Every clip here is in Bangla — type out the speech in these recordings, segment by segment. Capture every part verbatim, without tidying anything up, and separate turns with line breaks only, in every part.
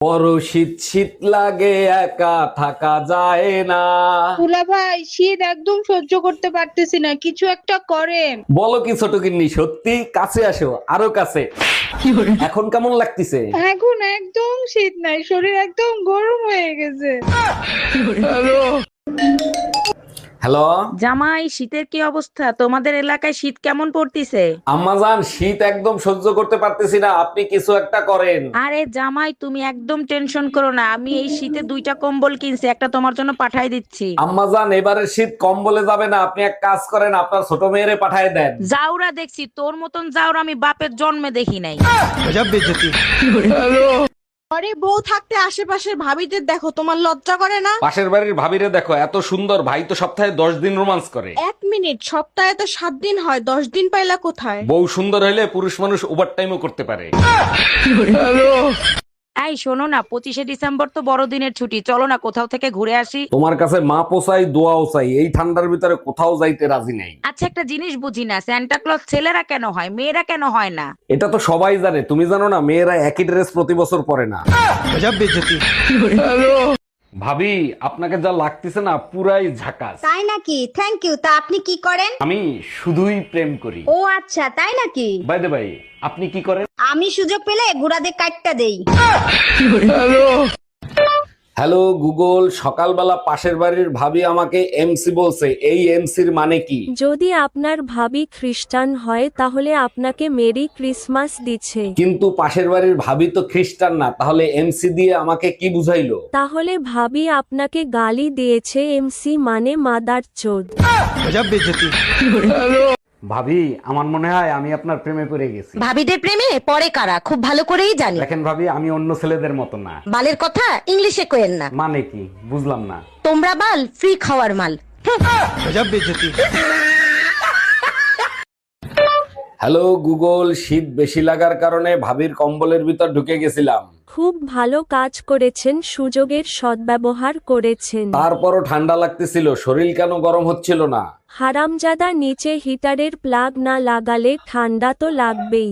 বড় শীত শীত লাগে, একা থাকা যায় না।
দুলা ভাই, শীত একদম সহ্য করতে পারতেছি না, কিছু একটা করেন।
বলো কি ছোট গিন্নি, সত্যি? কাছে আসো, আরো কাছে। এখন কেমন লাগতেছে?
এখন একদম শীত নাই, শরীর একদম গরম হয়ে গেছে।
হ্যালো
জামাই, শীতের কি অবস্থা? তোমাদের এলাকায় শীত কেমন পড়তিছে?
আম্মাজান, শীত একদম সহ্য করতে পারতেছি না, আপনি কিছু একটা করেন।
আরে জামাই, তুমি একদম টেনশন করো না, আমি এই শীতে দুইটা কম্বল কিনছি, একটা তোমার জন্য পাঠাই দিচ্ছি।
আম্মাজান, এবারে শীত কম বলে যাবে না, আপনি এক কাজ করেন, আপনার ছোট মেয়েরে পাঠায় দেন।
জাউরা দেখছি, তোর মতন জাউরা আমি বাপের জন্মে দেখি নাই।
ঘরে বউ থাকতে আশেপাশের ভাবিদের দেখো, তোমার লজ্জা করে না?
পাশের বাড়ির ভাবিরে দেখো, এত সুন্দর, ভাই তো সপ্তাহে দশ দিন রোমান্স করে।
এক মিনিট, সপ্তাহে তো সাত দিন হয়, দশ দিন পাইলা কোথায়?
বউ সুন্দর হলে পুরুষ মানুষ ওভার টাইমও করতে পারে।
এই শোনো না, পঁচিশে ডিসেম্বর তো বড়দিনের ছুটি, চলো না কোথাও থেকে ঘুরে আসি।
তোমার কাছে মা পোসাই, দোয়াও চাই, এই ঠান্ডার ভিতরে কোথাও যাইতে রাজি নাই।
আচ্ছা, একটা জিনিস বুঝি না, স্যান্টা ক্লজ ছেলেরা কেন হয়, মেয়েরা কেন হয় না?
এটা তো সবাই জানে, তুমি জানো না? মেয়েরা একই ড্রেস প্রতি বছর পরে না। ভাবি, আপনাকে যা লাগতেছে না, পুরাই ঝাকাস।
তাই নাকি? Thank you. তা আপনি কি করেন?
আমি শুধুই প্রেম করি।
ও আচ্ছা, তাই নাকি?
বাই দ্য বাই, আপনি কি করেন?
আমি সুযোগ পেলে গুড়াদের কাটটা দেই।
হ্যালো গুগল, সকালবেলা পাশের বাড়ির ভাবি আমাকে এমসি বলছে, এই এমসির মানে কি?
যদি আপনার ভাবি খ্রিস্টান হয় তাহলে আপনাকে মেরি ক্রিসমাস দিচ্ছে।
কিন্তু পাশের বাড়ির ভাবি তো খ্রিস্টান না, তাহলে এমসি দিয়ে আমাকে কি বুঝাইলো?
তাহলে ভাবি আপনাকে গালি দিয়েছে, এমসি মানে মাদার চোদ।
ভাবি, আমার মনে হয় আমি আপনার প্রেমে পড়ে গেছি।
ভাবিদের প্রেমে পরে কারা খুব ভালো করেই জানি।
দেখেন ভাবি, আমি অন্য ছেলেদের মতো না।
বালের কথা ইংলিশে কোয়েন না।
মানে কি বুঝলাম না।
তোমরা বাল ফ্রি খাওয়ার মাল।
হ্যালো গুগল, শীত বেশি লাগার কারণে ভাবির কম্বলের ভিতর ঢুকে গেছিলাম।
খুব ভালো কাজ করেছেন, সুযোগের সদ্ব্যবহার করেছেন।
তারপরও ঠান্ডা লাগতেছিল, শরীর কেন গরম হচ্ছিল না?
হারামজাদা, নিচে হিটারের প্লাগ না লাগালে ঠান্ডা তো লাগবেই।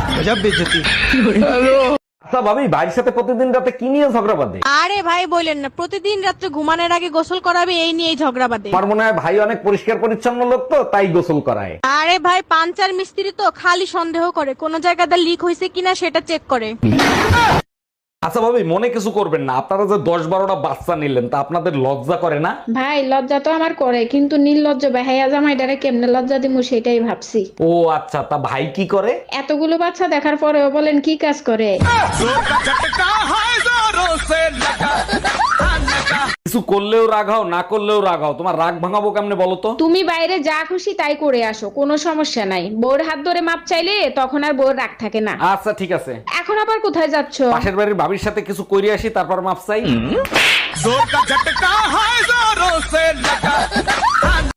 আচ্ছা ভাবি, ভাইয়ের সাথে প্রতিদিন রাতে কি নিয়ে ঝগড়া বাঁধে?
আরে ভাই বলেন না, প্রতিদিন রাত্রে ঘুমানোর আগে গোসল করাবে, এই নিয়েই ঝগড়া বাঁধে।
আমার মনে হয় ভাই অনেক পরিষ্কার পরিচ্ছন্ন লোক, তো তাই গোসল করায়।
আরে ভাই, পাঞ্চার মিস্ত্রি তো খালি সন্দেহ করে কোন জায়গাতে লিক হয়েছে কিনা সেটা চেক করে।
আচ্ছা ভাবি, মনে কিছু করবেন না, আপনারা যে দশ বারোটা বাচ্চা নিলেন, তা আপনাদের লজ্জা করে না?
ভাই, লজ্জা তো আমার করে, কিন্তু নির্লজ্জ বেহাইয়া জামাইটারে কেমনে লজ্জা দিমু সেটাই ভাবছি।
ও আচ্ছা, তা ভাই কি করে?
এতগুলো বাচ্চা দেখার পরেও বলেন কি কাজ করে?
কিছু করলেও রাগাও, না করলেও রাগাও, তোমার রাগ ভাঙাবো কেমনে বলো তো?
তুমি বাইরে যা খুশি তাই করে আসো, কোনো সমস্যা নাই। বউর হাত ধরে মাপ চাইলে তখন আর বউর রাগ থাকে না।
আচ্ছা ঠিক আছে,
এখন আবার কোথায় যাচ্ছ?
পাশের বাড়ির ভাবির সাথে কিছু কইরে আসি, তারপর মাপ চাই।